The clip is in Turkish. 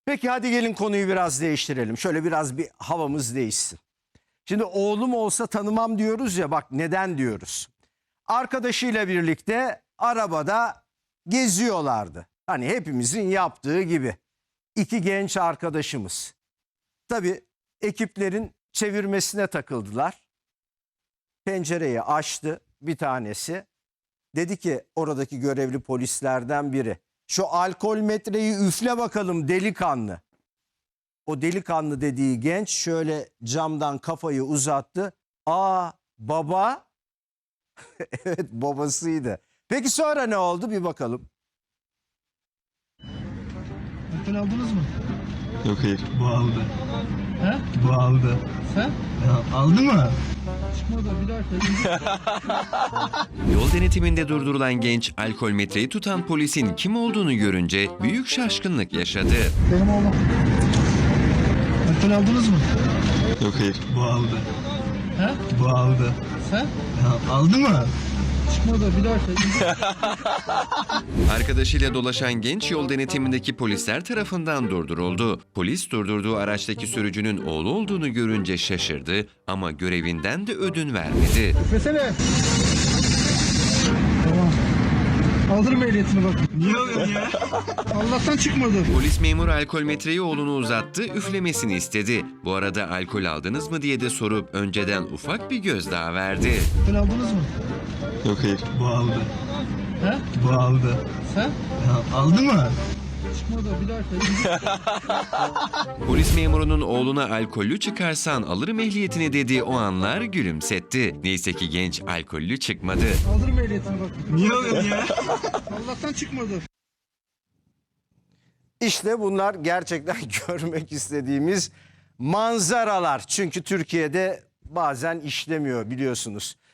Peki hadi gelin konuyu biraz değiştirelim. Şöyle biraz bir havamız değişsin. Şimdi oğlum olsa tanımam diyoruz ya, bak neden diyoruz. Arkadaşıyla birlikte arabada geziyorlardı. Hani hepimizin yaptığı gibi. İki genç arkadaşımız. Tabii ekiplerin çevirmesine takıldılar. Pencereyi açtı bir tanesi. Dedi ki oradaki görevli polislerden biri, şu alkol metreyi üfle bakalım delikanlı. O delikanlı dediği genç şöyle camdan kafayı uzattı. Aa, baba. Evet, babasıydı. Peki sonra ne oldu, bir bakalım. Alkol aldınız mı? Yok hayır. Bu aldı. He? Bu aldı. Sen? Ya, aldı mı? Çıkmadı bir dakika. Yol denetiminde durdurulan genç alkol metreyi tutan polisin kim olduğunu görünce büyük şaşkınlık yaşadı. Benim oğlum. Alkol aldınız mı? Yok hayır. Bu aldı. He? Bu aldı. Sen? Ya, aldı mı? Çıkmadı bir dakika. Arkadaşıyla dolaşan genç yol denetimindeki polisler tarafından durduruldu. Polis durdurduğu araçtaki sürücünün oğlu olduğunu görünce şaşırdı ama görevinden de ödün vermedi. Üflesene. Tamam. Aldırma ehliyetini bak. Niye alıyorsun ya? Allah'tan çıkmadı. Polis memuru alkol metreyi oğlunu uzattı, üflemesini istedi. Bu arada alkol aldınız mı diye de sorup önceden ufak bir gözdağı verdi. Alkol aldınız mı? Yok hayır. Bu aldı. He? Bu aldı. Sen? Ya, aldı mı? Çıkmadı bir dakika. Polis memurunun oğluna alkollü çıkarsan alırım ehliyetini dediği o anlar gülümsetti. Neyse ki genç alkollü çıkmadı. Aldırma ehliyetini bak. Niye alıyorsun ya? Allah'tan çıkmadı. İşte bunlar gerçekten görmek istediğimiz manzaralar. Çünkü Türkiye'de bazen işlemiyor biliyorsunuz.